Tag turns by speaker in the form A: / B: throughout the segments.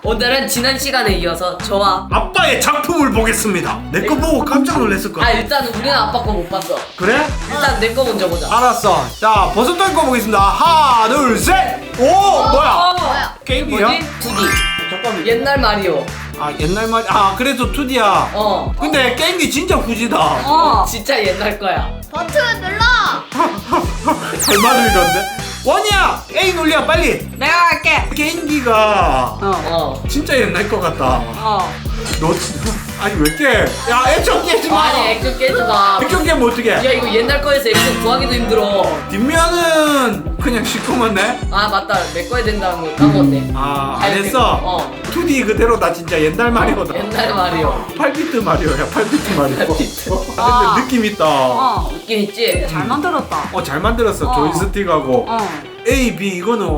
A: 오늘은 지난 시간에 이어서 저와
B: 아빠의 작품을 보겠습니다. 내 거 보고 깜짝 놀랐을 거야.
A: 일단은 우리는 아빠 거 못 봤어.
B: 그래?
A: 일단 내 거 먼저 보자.
B: 알았어. 자, 버섯돌 거 보겠습니다. 하나, 둘, 셋. 오, 뭐야?
C: 뭐야?
B: 게임이야?
A: 뭐지? 2D.
B: 잠깐만.
A: 옛날 마리오.
B: 아, 옛날 말. 아, 그래도 2D야. 근데 게임기 진짜 후지다.
A: 진짜 옛날 거야.
C: 버튼 눌러.
B: 잘 만들던데. 원이야, A 눌려 빨리.
D: 내가 할게.
B: 게임기가 진짜 옛날 것 같다. 너 아니 왜 깨? 야, 액션 깨지 마.
A: 아니 액션 깨지 마.
B: 액션 깨면 어떡해?
A: 야 이거 옛날 거에서 액션 구하기도 힘들어.
B: 뒷면은 그냥 시커먼네.
A: 아 맞다 내 거에 된다는 거 까먹었네.
B: 아, 안 했어? 2D 그대로다. 진짜 옛날 마리오다.
A: 옛날 마리오.
B: 8비트 마리오야. 8비트 마리오.
A: 8비트.
B: 근데 느낌 있다.
A: 느낌 있지?
D: 잘 만들었다.
B: 잘 만들었어. 조이스틱하고 A, B 이거는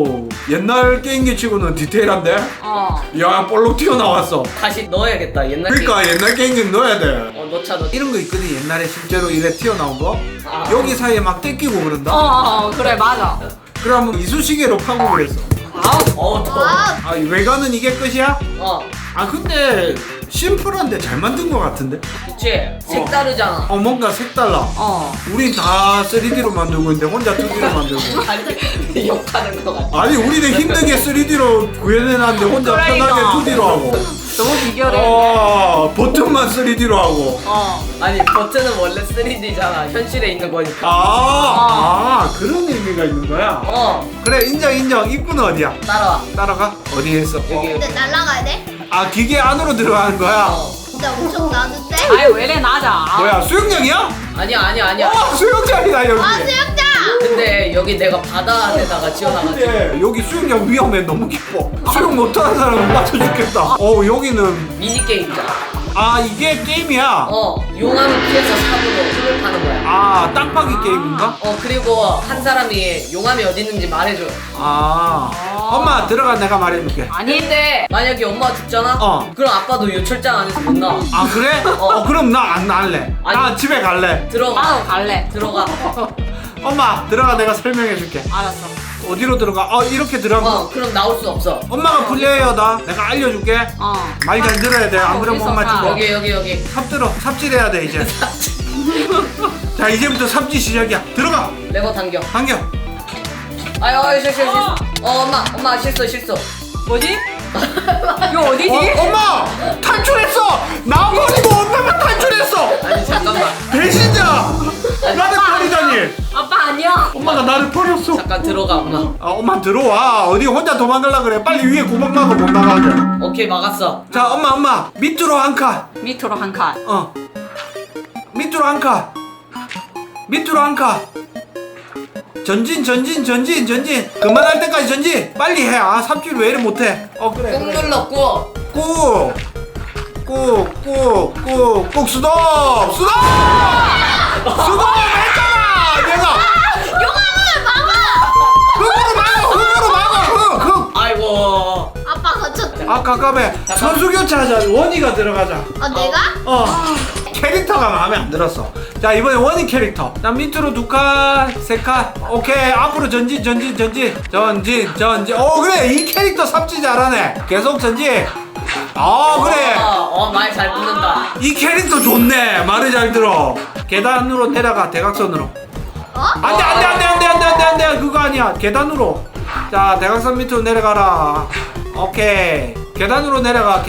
B: 옛날 게임기 치고는 디테일한데? 야, 볼록 튀어나왔어.
A: 다시 넣어야겠다 옛날
B: 그러니까 옛날 게임기 넣어야 돼.
A: 넣자.
B: 이런 거 있거든. 옛날에 실제로 이래 튀어나온 거.
A: 아.
B: 여기 사이에 막 뜯기고 그런다.
D: 그래 맞아.
B: 그러면 이쑤시개로 파고 그랬어.
A: 더워.
B: 아, 외관은 이게 끝이야? 아, 근데 심플한데 잘 만든 거 같은데?
A: 그치? 색다르잖아.
B: 뭔가 색달라. 우린 다 3D로 만들고 있는데 혼자 2D로 만들고.
A: 아니 욕하는 거 같아.
B: 아니, 우리는 힘들게 3D로 구현해놨는데 혼자
D: 그러니까.
B: 편하게 2D로 하고.
D: 너무 비결해.
B: 버튼만 3D로 하고.
A: 아니 버튼은 원래 3D잖아. 현실에 있는 거니까.
B: 그런 의미가 있는 거야? 그래, 인정. 입구는 어디야?
A: 따라와.
B: 따라가? 어디에 있어?
A: 여기.
C: 근데 날라가야 돼?
B: 아, 기계 안으로 들어가는 거야?
C: 진짜 엄청 나는데?
D: 아유 왜래 낮아.
B: 뭐야, 수영장이야?
A: 아니야.
B: 수영장이다, 여기.
C: 아 수영장!
A: 근데 여기 내가 바다 안에다가 지어놔가지고.
B: 근데 여기 수영장 위험해. 너무 깊어. 수영 못하는 사람은 맞춰 죽겠다. 여기는
A: 미니게임이잖아.
B: 이게 게임이야.
A: 용암을 피해서 삽으로 풀을 파는 거야.
B: 땅파기 게임인가?
A: 그리고 한 사람이 용암이 어디 있는지 말해줘.
B: 엄마 들어가. 내가 말해줄게.
D: 아니
A: 근데 만약에 엄마가 죽잖아? 그럼 아빠도 요철장 안에서 못 나와.
B: 아, 그래? 그럼 나 안 할래. 나
A: 아니.
B: 집에 갈래.
A: 들어가.
D: 나도 갈래.
A: 들어가.
B: 엄마 들어가. 내가 설명해줄게.
D: 알았어.
B: 어디로 들어가? 이렇게 들어가.
A: 그럼 나올 수 없어.
B: 엄마가 플레이어다. 내가 알려줄게. 말 잘 들어야 돼. 안 그러면 엄마 죽어.
A: 여기.
B: 삽 들어. 삽질해야 돼 이제. 자, 이제부터 삽질 시작이야. 들어가.
A: 레버 당겨.
B: 당겨.
A: 아유 실수. 엄마 실수.
D: 뭐지? 이거 어디지?
B: 엄마 탈출했어. 나 버리고 엄마만 탈출했어.
A: 아니 잠깐만.
B: 배신자. 나를 버리다니.
D: 아빠 아니야.
B: 엄마가 나를 버렸어.
A: 잠깐 들어가 엄마.
B: 엄마 들어와. 어디 혼자 도망가려 그래. 빨리 위에 구멍 나고 못 나가게.
A: 오케이 막았어.
B: 자, 엄마 밑으로 한 칸.
D: 밑으로 한 칸.
B: 밑으로 한 칸. 밑으로 한 칸. 전진. 그만할 때까지 전진. 빨리 해. 삽질 왜 이래 못해? 그래.
A: 꾹 눌렀고.
B: 꾹 스톱 했잖아 내가. 흙으로 막아. 흙.
A: 아이고.
C: 아빠 거쳤다.
B: 깜깜해. 선수 교체하자. 원희가 들어가자.
C: 내가?
B: 캐릭터가 마음에 안 들었어. 자, 이번에 원희 캐릭터. 나 밑으로 2칸 3칸. 오케이. 앞으로 전진. 그래. 이 캐릭터 삽질 잘하네. 계속 전진. 그래.
A: 말 잘 듣는다.
B: 이 캐릭터 좋네. 말을 잘 들어. 계단으로 내려가. 대각선으로. 안돼. 그거 아니야. 계단으로. 자, 대각선 밑으로 내려가라. 오케이. 계단으로 내려가.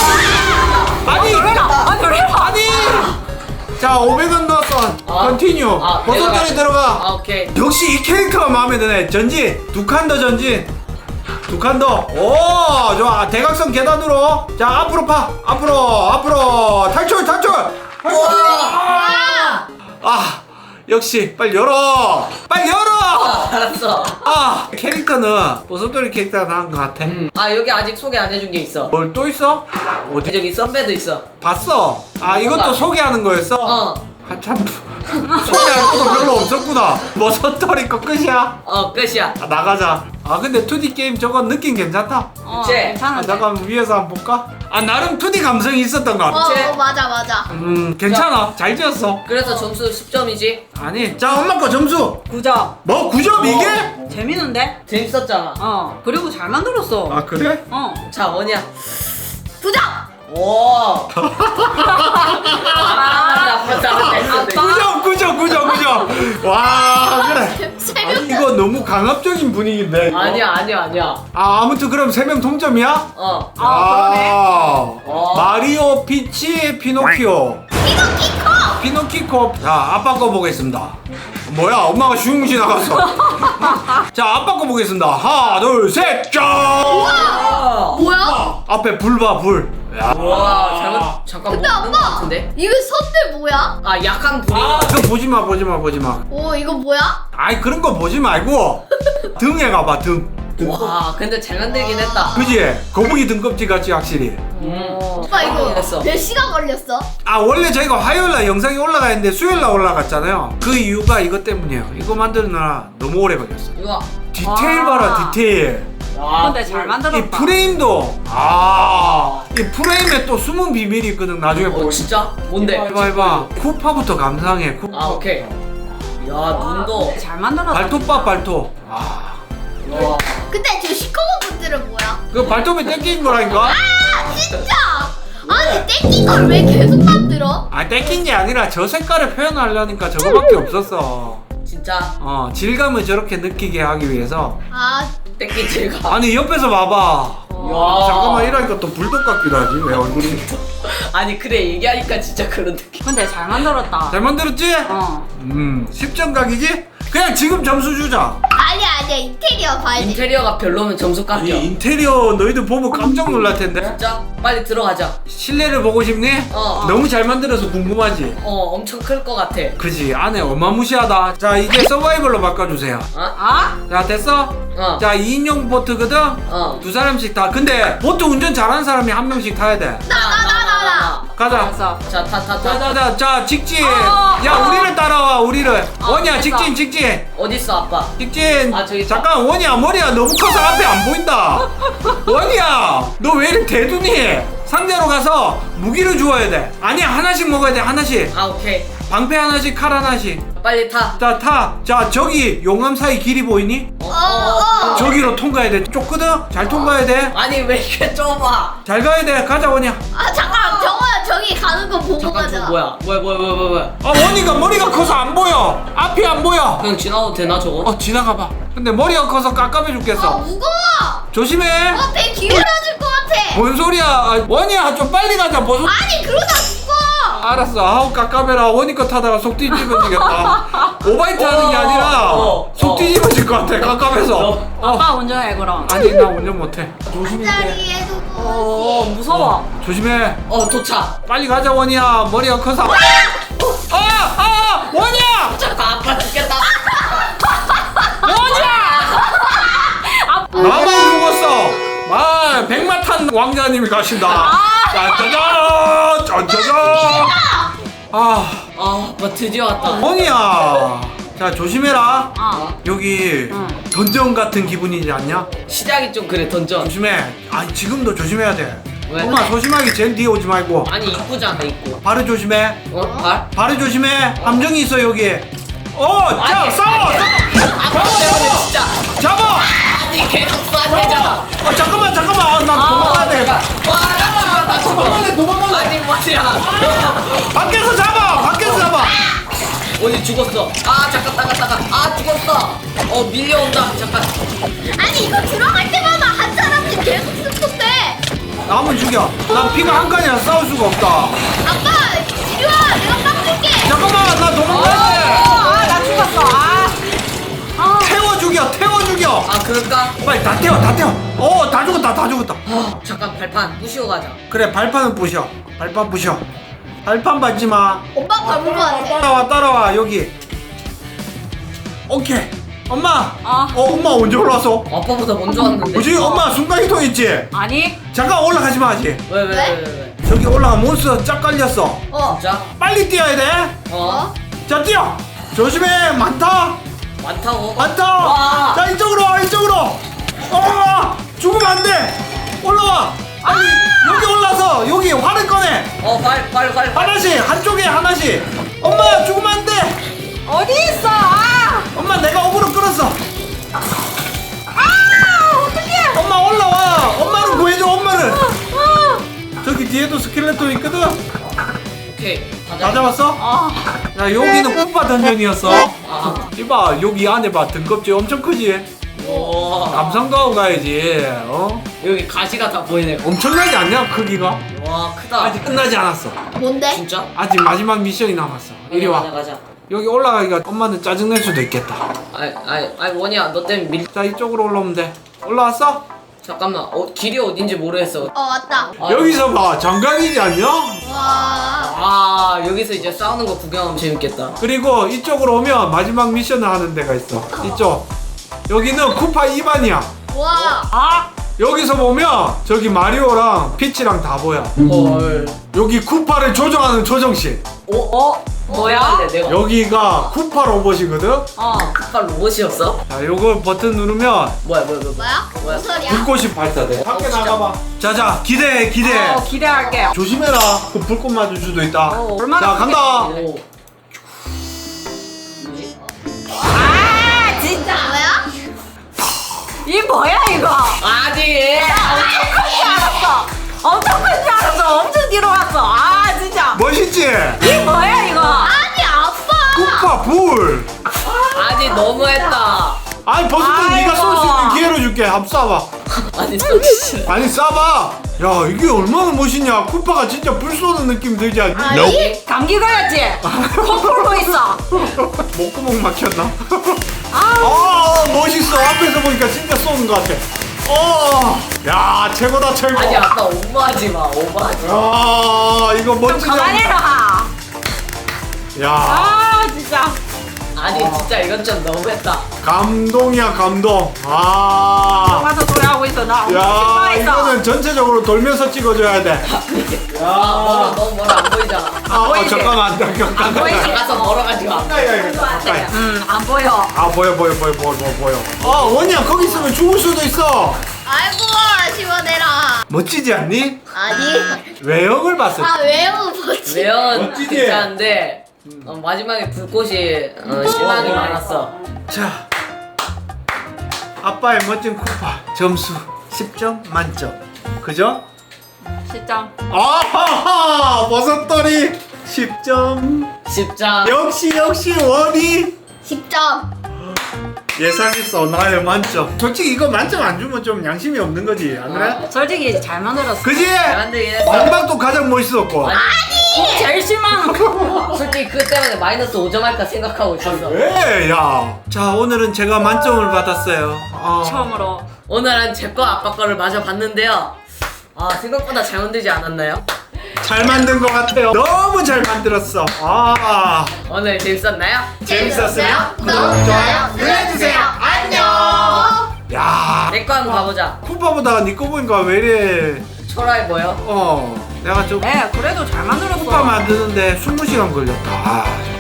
B: 아니. 자, 500원 넣었어. 컨티뉴. 버섯돌이 들어가.
A: 오케이.
B: 역시 이 캐릭터가 마음에 드네. 전진. 2칸 더 전진. 2칸 더. 오, 좋아. 대각선 계단으로. 자, 앞으로 파. 앞으로. 탈출. 역시 빨리 열어.
A: 알았어.
B: 캐릭터는 버섯돌이 캐릭터가 나은 것 같아.
A: 여기 아직 소개 안 해준 게 있어.
B: 뭘 또 있어? 어디?
A: 저기 썬베도 있어.
B: 봤어. 이것도 소개하는 거였어? 한참 소개할 것도 별로 없었구나. 버섯돌이 거 끝이야?
A: 끝이야.
B: 나가자. 근데 2D 게임 저거 느낌 괜찮다.
A: 그치?
D: 괜찮은데.
B: 잠깐 위에서 한번 볼까? 나름 2D 감성이 있었던 것 같아.
C: 맞아.
B: 괜찮아. 잘 지었어.
A: 그래서 점수 10점이지?
B: 아니, 자, 엄마 거 점수.
D: 9점.
B: 뭐 9점 이게?
D: 재밌는데?
A: 재밌었잖아.
D: 그리고 잘 만들었어.
B: 아 그래?
A: 자, 원이야.
C: 부정.
A: 오.
B: 구정. 와 그래. 아니, 이거 너무 강압적인 분위기인데. 이거.
A: 아니야.
B: 아 아무튼 그럼 3명 동점이야?
D: 그러네.
B: 마리오, 피치, 피노키오. 피노키코. 자 아빠 거 보겠습니다. 뭐야 엄마가 슝 지나갔어. 자 아빠 거 보겠습니다. 하나 둘 셋 짠.
C: 뭐야?
B: 앞에 불 봐 불. 야.
A: 와, 잠깐
C: 근데
A: 뭐 있는 것
C: 아빠
A: 같은데?
C: 이거 선들 뭐야?
A: 아, 약한 불이.
B: 그거 보지 마.
C: 오 이거 뭐야?
B: 아이 그런 거 보지 말고 등에 가봐 등.
A: 와, 근데 잘 만들긴 했다.
B: 그지? 거북이 등껍질 같지 확실히.
C: 오빠 이거
A: 했어.
C: 몇 시간 걸렸어?
B: 아 원래 저희가 화요일날 영상이 올라가 있는데 수요일날 올라갔잖아요. 그 이유가 이것 때문이에요. 이거 만드느라 너무 오래 걸렸어.
A: 이거.
B: 디테일 봐라 디테일.
D: 근데 잘 만들었다.
B: 이 프레임도 이 프레임에 또 숨은 비밀이 있거든. 나중에 보여.
A: 진짜? 뭔데?
B: 해봐. 쿠파부터 감상해. 쿠파.
A: 아, 오케이. 야, 눈도.
D: 잘 만들었다.
B: 발톱 봐 발톱.
A: 와.
C: 근데 저 시커먼 것들은 뭐야?
B: 그 발톱에 땡긴 거라니까.
C: 아 진짜! 아니 땡긴 걸 왜 계속 만들어?
B: 아 땡긴 게 아니라 저 색깔을 표현하려니까 저거밖에 없었어.
A: 진짜.
B: 질감을 저렇게 느끼게 하기 위해서.
C: 아
A: 땡기 질감.
B: 아니 옆에서 봐봐.
A: 야.
B: 잠깐만 이러니까 또 불독 같기도 하지 왜 얼굴이.
A: 아니, 그래. 얘기하니까 진짜 그런 느낌.
D: 근데 잘 만들었다.
B: 잘 만들었지? 10점 각이지? 그냥 지금 점수 주자.
C: 아니야 인테리어 봐야지.
A: 인테리어가 별로면 점수
B: 이
A: 깎여.
B: 인테리어 너희들 보면 깜짝 놀랄 텐데.
A: 진짜? 빨리 들어가자.
B: 실내를 보고 싶니?
A: 어.
B: 너무 잘 만들어서 궁금하지?
A: 엄청 클 것 같아.
B: 그지 안에 어마무시하다. 자 이제 서바이벌로 바꿔주세요. 자 됐어? 자 2인용 보트거든? 두 사람씩 타. 근데 보트 운전 잘하는 사람이 한 명씩 타야 돼.
C: 나.
B: 가자.
D: 알았어.
A: 자,
B: 자 직진.
D: 어,
B: 야 우리를 따라와 우리를. 원이야
D: 됐어.
B: 직진.
A: 어딨어, 아빠?
B: 직진.
A: 아, 저기 있다.
B: 잠깐 원이야 머리가 너무 커서 앞에 안 보인다. 원이야 너 왜 이렇게 대두니? 상대로 가서 무기를 주어야 돼. 아니야 하나씩 먹어야 돼 하나씩.
A: 아, 오케이.
B: 방패 하나씩 칼 하나씩.
A: 빨리 타.
B: 자 타. 자 저기 용암 사이 길이 보이니? 저기로 통과해야 돼. 좁거든? 잘 통과해야 돼.
A: 아니, 왜 이렇게 좁아?
B: 잘 가야 돼. 가자 원이야.
C: 아 잠깐 정호야 저기 가는 거 보고
A: 잠깐,
C: 가자.
A: 저 뭐야? 뭐야?
B: 아 원이가 머리가 커서 안 보여. 앞이 안 보여.
A: 그냥 지나도 되나, 저거?
B: 지나가봐. 근데 머리가 커서 깝깝해
C: 아
B: 죽겠어.
C: 무거워.
B: 조심해.
C: 배 기울어질 것 같아.
B: 뭔 소리야? 원이야 좀 빨리 가자. 벗어.
C: 아니 그러다 죽어.
B: 알았어. 아우 깝깝해라. 원이 거 타다가 속 뒤집어지겠다. 오바이트 하는 게 아니라 속 뒤집어질 것 같아. 깝깝해서.
D: 아빠 운전해 그럼.
B: 아니 나 운전 못해. 조심해.
C: 자리에도 뭐.
D: 무서워.
B: 조심해.
A: 도착.
B: 빨리 가자 원이야. 머리가 커서. 원이야.
A: 잠깐, 아빠 죽겠다.
B: 나만 죽었어. 백마탄 왕자님이 가신다. 짜자잔.
A: 아빠 드디어 왔다.
B: 원이야. 자 조심해라. 여기
D: 응.
B: 던전 같은 기분이지 않냐?
A: 시작이 좀 그래, 던전.
B: 조심해. 지금도 조심해야 돼.
A: 왜?
B: 엄마 소심하게 제일 뒤에 오지 말고.
A: 아니, 이쁘잖아, 이쁘.
B: 발을 조심해.
A: 발?
B: 발을 조심해. 함정이 있어 여기. 자
A: 아니,
B: 싸워.
A: 아빠 때문에 진짜.
B: 잡아.
A: 아니, 계속 쏴대잖아.
B: 잠깐만. 나 도망가야 돼.
A: 와, 나 죽어.
B: 도망갈래.
A: 아니, 뭐야.
B: 밖에서 잡아.
A: 어디 죽었어? 잠깐, 따가. 죽었어. 밀려온다. 잠깐.
C: 아니 이거 들어갈 때마다 한 사람씩 계속 습득돼.
B: 남은 죽여. 난 피가 한 칸이라 싸울 수가 없다.
C: 아빠 이리 와 내가 깎을게.
B: 잠깐만 나 도망가야 돼.
D: 나 죽었어.
B: 태워 죽여.
A: 그럴까?
B: 빨리 다 태워. 다 죽었다.
A: 잠깐, 발판 부시고 가자.
B: 그래 발판은 부셔. 발판 부셔. 발판 밟지 마.
C: 오빠 밟은 거 같아.
B: 따라와 여기. 오케이. 엄마. 엄마 언제 올라왔어?
A: 아빠보다 먼저 왔는데.
B: 뭐지? 엄마 순간이동 있지?
D: 아니.
B: 잠깐 올라가지 마 아직.
A: 왜?
B: 저기 올라가 몬스터 쫙 깔렸어.
A: 진짜?
B: 빨리 뛰어야 돼. 자 뛰어. 조심해.
A: 많다고?
B: 많다. 자 이쪽으로. 죽으면 안 돼. 올라와. 아니 여기 올라서 여기 활을 꺼내.
A: 발.
B: 하나씩 한쪽에 하나씩. 엄마 죽으면 안 돼.
D: 어디 있어?
B: 엄마 내가 어그로 끌었어. 엄마 올라와. 엄마는 구해줘. 엄마는. 저기 뒤에도 스켈레톤 있거든.
A: 오케이.
B: 다 잡았어? 야 여기는 쿠파 던전이었어. 이봐 여기 안에 봐 등껍질 엄청 크지?
A: 와.
B: 감상도 하고 가야지. 어?
A: 여기 가시가 다 보이네.
B: 엄청나지 않냐 크기가?
A: 와 크다.
B: 아직 끝나지 않았어.
C: 뭔데?
A: 진짜?
B: 아직 마지막 미션이 남았어. 이리 와.
A: 가자.
B: 여기 올라가기가 엄마는 짜증낼 수도 있겠다.
A: 아니 원이야 너 때문에 밀.
B: 자 이쪽으로 올라오면 돼. 올라왔어?
A: 잠깐만. 길이 어딘지 모르겠어.
C: 왔다.
B: 여기서 봐 장관이지 않냐?
C: 와.
A: 여기서 이제 싸우는 거 구경하면 재밌겠다.
B: 그리고 이쪽으로 오면 마지막 미션을 하는 데가 있어. 이쪽. 여기는 쿠파 2반이야.
C: 와.
B: 여기서 보면 저기 마리오랑 피치랑 다 보여.
A: 헐.
B: 여기 쿠파를 조정하는 조정실.
D: 뭐야?
A: 내가
B: 여기가 쿠파 로봇이거든.
A: 아까 로봇이었어?
B: 자, 요걸 버튼 누르면
A: 뭐야?
C: 뭐야? 무슨 소리야?
B: 불꽃이 발사돼. 밖에
A: 진짜?
B: 나가봐. 자자, 기대해.
D: 기대할게.
B: 조심해라. 그 불꽃 맞을 수도 있다.
D: 얼마나
B: 자, 간다.
A: 오.
D: 진짜.
C: 뭐야?
D: 이 뭐야 이거?
A: 아니.
D: 엄청 큰 줄 알았어. 엄청 뒤로 왔어. 진짜.
B: 멋있지?
D: 이 뭐야 이거?
C: 아니 아빠.
B: 쿠파 불.
A: 아니 너무했다.
B: 아니 버스터
D: 아이고.
B: 네가 쏠 수 있는 기회를 줄게. 한번 쏴봐.
A: 아니 진짜.
B: 아니 쏴봐. 야 이게 얼마나 멋있냐. 쿠파가 진짜 불 쏘는 느낌 들지 않니?
C: 아니?
D: 감기 걸렸지? 코 풀고 있어.
B: 목구멍 막혔나? 멋있어. 앞에서 보니까 진짜 쏘는 것 같아. 야 최고다 최고.
A: 아니 아까 오버하지 마. 오버하지 마.
B: 이거
D: 좀
B: 멋지다.
D: 가만히 라
B: 야
D: 진짜.
A: 아니 진짜 이건 좀 너무했다.
B: 감동이야 감동.
D: 와서 노래하고 있어. 나 엄청
B: 야
D: 신나했어.
B: 이거는 전체적으로 돌면서 찍어줘야 돼.
A: 너무 멀어 안 보이잖아.
D: 보이지?
B: 잠깐만
D: 안 보이지?
A: 나가서 멀어가지고 안 보여.
B: 가까이.
D: 안 보여.
B: 보여. 원이야 거기 있으면 죽을 수도 있어.
C: 아이고 시원해라.
B: 멋지지 않니?
C: 아니.
B: 외형을 봤을 때.
C: 외우 뭐지?
A: 매연
B: 멋지지?
A: 괜찮은데 마지막에 불꽃이 실망이 많았어.
B: 자 아빠의 멋진 쿠파 점수 10점 만점. 그죠?
D: 진짜.
B: 아하하 버섯돌이 10점.
A: 10장.
B: 역시 원이
C: 10점.
B: 예상했어. 나의 만점. 솔직히 이거 만점 안 주면 좀 양심이 없는 거지 안 그래?
D: 솔직히 잘 만들었어.
B: 그지?
A: 잘 만들긴 했어.
B: 마지막도 가장 멋있었고.
D: 제일 실망.
A: 솔직히 그 때문에 마이너스 5점 할까 생각하고 있었어.
B: 왜? 야. 자 오늘은 제가 만점을 받았어요.
D: 처음으로.
A: 오늘은 제 거 아빠 거를 마저 봤는데요. 생각보다 잘 만들지 않았나요?
B: 잘 만든 것 같아요. 너무 잘 만들었어.
A: 오늘 재밌었나요?
B: 재밌었어요?
C: 구독, 좋아요 눌러주세요. 안녕.
B: 야.
A: 내 거 한번 가보자.
B: 쿠파보다 네 거 보니까 왜 이래?
A: 초라해 보여?
B: 내가 좀
D: 네, 그래도 잘 만들었어.
B: 쿠파 만드는데 20시간 걸렸다.